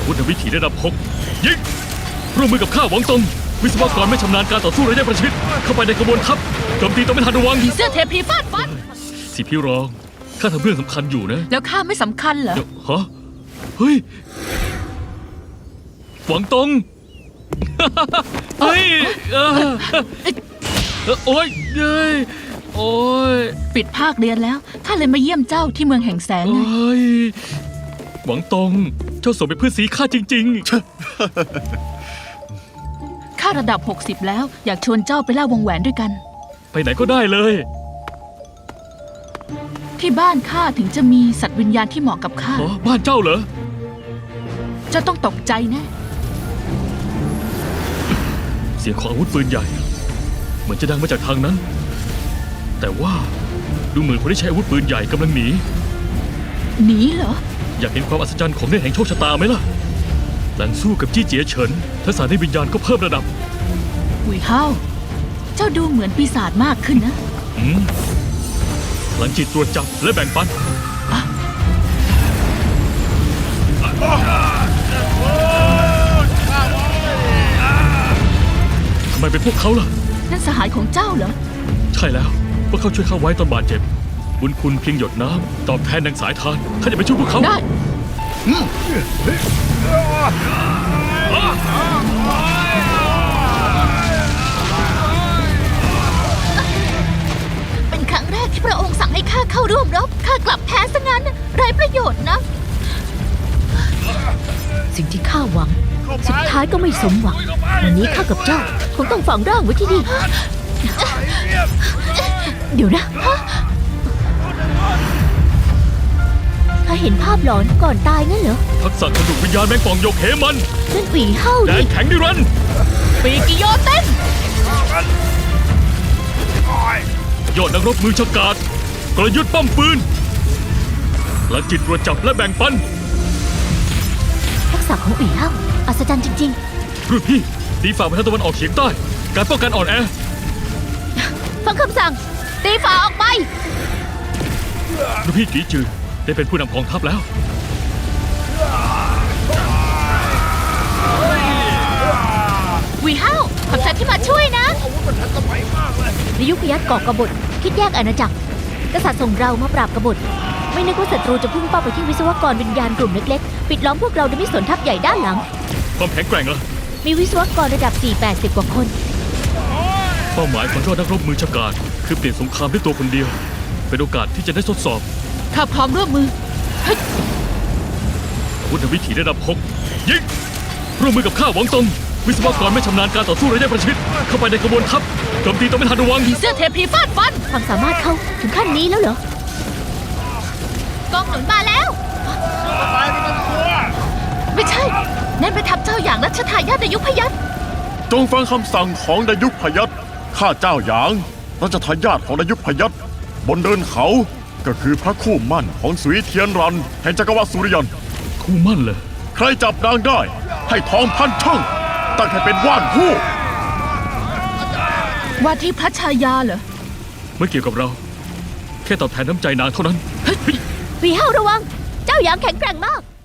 วุธวิถีระดับ6ยิงร่วมมือกับข้าหวังตงวิศวกรไม่ชำนาญการต่อสู้ระยะประชิดเข้าไปในขบวนทัพโจมตีต้องไม่ทันระวังผีเสื้อเทพีฟาดฟันสิพี่รองข้าทำเรื่องสำคัญอยู่นะแล้วข้าไม่สำคัญเหรอฮะเฮ้ยหวังตง เฮ้ยโอ้ยเฮ้ยโอ้ยปิดภาคเรียนแล้วข้าเลยมาเยี่ยมเจ้าที่เมืองแห่งแสงไงเฮ้ยหวังตงเจ้าสมเป็นเพื่อนสีข้าจริงข้าระดับ60แล้วอยากชวนเจ้าไปล่าวงแหวนด้วยกันๆ ไปไหนก็ได้เลยที่บ้านข้าถึงจะมีสัตว์วิญญาณที่เหมาะกับข้าอ๋อบ้านเจ้าเหรอเจ้าต้องตกใจแน่เสียงของอาวุธปืนใหญ่ เหมือนจะดังมาจากทางนั้น แต่ว่าดูเหมือนคนที่ใช้อาวุธปืนใหญ่กำลังหนีหนีเหรออยากเห็นความอัศจรรย์ของเนตรแห่งโชคชะตาไหมล่ะหลังสู้กับจี้เจียเฉินทักษะในวิญญาณก็เพิ่มระดับหุยเฮาเจ้าดูเหมือนปีศาจมากขึ้นนะหลังจิตตรวจจับและแบ่งปันทำไมเป็นพวกเขาล่ะนั่นสหายของเจ้าเหรอใช่แล้วพวกเขาช่วยข้าไว้ตอนบาดเจ็บ บุญคุณเพียงหยดน้ำตอบแทนดังสายทานข้าจะไปช่วยพวกเขาได้ เป็นครั้งแรกที่พระองค์สั่งให้ข้าเข้าร่วมรบข้ากลับแพ้ซะงั้นไร้ประโยชน์นะสิ่งที่ข้าหวังสุดท้ายก็ไม่สมหวังวันนี้ข้ากับเจ้าคงต้องฝังร่างไว้ที่นี่ เดี๋ยวนะข้าเห็นภาพหลอนก่อนตายงั้นเหรอทักษะกระดูกวิญญาณแมงป่องโยกเหมันนั่นหวีเฮ้าแดดินแข็งนิรันดร์ปีกิโยเต้นยอดนักรบมือฉกาจกลยุทธ์ป้อมปืนหลังจิตตรวจจับและแบ่งปันทักษะของหวีเฮ้าอัศจรรย์จริงรุ่นพี่ตีฝ่าไปทางตะวันออกเฉียงใต้ การป้องกันอ่อนแอๆ ฟังคำสั่ง ตีฝาออกไปรุ่นพี่กีจือได้เป็นผู้นำกองทัพแล้ววีเฮาขอบใจที่มาช่วยนะในยุคพยัคฆ์ก่อกบฏคิดแยกอาณาจักรกษัตริย์ส่งเรามาปราบกบฏไม่นึกว่าศัตรูจะพุ่งเป้าไปที่วิศวกรวิญญาณกลุ่มเล็กๆ ปิดล้อมพวกเราโดยไม่สนทัพใหญ่ด้านหลังความแข็งแกร่งล่ะมีวิศวกรระดับ 4-80 กว่าคนเป้าหมายของยอดนักรบมือฉกาจคือเปลี่ยนสงครามด้วยตัวคนเดียว เป็นโอกาสที่จะได้ทดสอบข้าพร้อมร่วมมืออาวุธวิถีระดับ6ยิงร่วมมือกับข้าหวังตงวิศวกรไม่ชำนาญการต่อสู้ระยะประชิดเข้าไปในขบวนทัพโจมตีต้องไม่ทันระวังผีเสื้อเทพีฟาดฟันความสามารถเขาถึงขั้นนี้แล้วเหรอกองหนุนมาแล้ว ไม่ใช่ นั่นไปนทัพเจ้าอย่างรัชทายาทในยุคพยัคฆ์จงฟังคำสั่งของดายุคพยัคฆ์ข้าเจ้าหยางรัชทายาทของดายุคพยัคฆ์บนเดินเขาก็คือพระคู่มั่นของสุยเทียนรันแห่งจักรวรรดิสุริยันคู่มั่นเลยใครจับนางได้ให้ทองพันช่างตั้งให้เป็นว่านคู่ว่าที่พระชายาเหรอไม่เกี่ยวกับเรา แค่ตอบแทนน้ำใจนางเท่านั้นวีเฮ้าระวัง เจ้าหยางแข็งแกร่งมาก